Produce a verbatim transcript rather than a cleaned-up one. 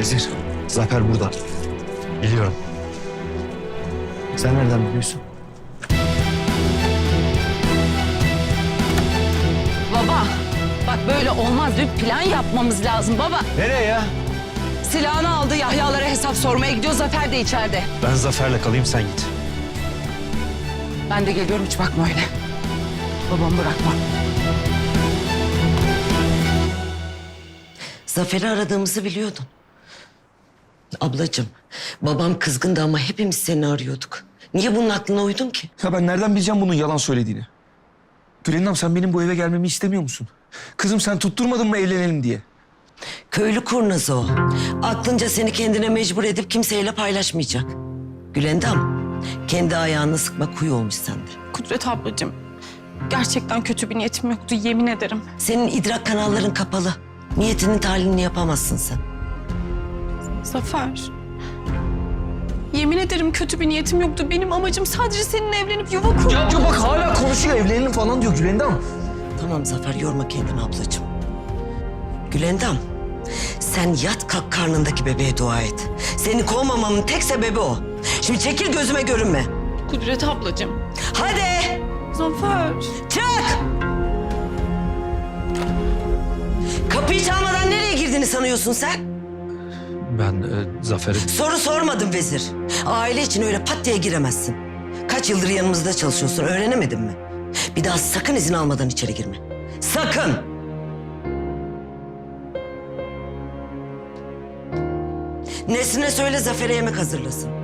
Vezir, Zafer burada. Biliyorum. Sen nereden biliyorsun? Baba, bak böyle olmaz. Bir plan yapmamız lazım baba. Nereye ya? Silahını aldı, Yahyalara hesap sormaya gidiyor. Zafer de içeride. Ben Zafer'le kalayım, sen git. Ben de geliyorum, hiç bakma öyle. Babamı bırakma. Zafer'i aradığımızı biliyordun. Ablacığım, babam kızgındı ama hepimiz seni arıyorduk. Niye bunun aklına uydun ki? Ya ben nereden bileceğim bunun yalan söylediğini? Gülendam, sen benim bu eve gelmemi istemiyor musun? Kızım, sen tutturmadın mı evlenelim diye? Köylü kurnazı o. Aklınca seni kendine mecbur edip kimseyle paylaşmayacak. Gülendam, kendi ayağını sıkma kuyu olmuş sende. Kudret ablacığım, gerçekten kötü bir niyetim yoktu, yemin ederim. Senin idrak kanalların kapalı. Niyetinin tahlilini yapamazsın sen. Zafer, yemin ederim kötü bir niyetim yoktu. Benim amacım sadece seninle evlenip yuva kurmak. Ya, ya bak hala konuşuyor, evlenelim falan diyor Gülendam. Tamam Zafer, yorma kendini ablacığım. Gülendam, sen yat kalk karnındaki bebeğe dua et. Seni kovmamamın tek sebebi o. Şimdi çekil gözüme görünme. Kudret ablacığım. Hadi Zafer. çık! Kapıyı çalmadan nereye girdiğini sanıyorsun sen? Ben e, Zafer'i... Soru sormadım vezir. Aile için öyle pat diye giremezsin. Kaç yıldır yanımızda çalışıyorsun, öğrenemedin mi? Bir daha sakın izin almadan içeri girme. Sakın! Nesrin'e söyle Zafer'e yemek hazırlasın.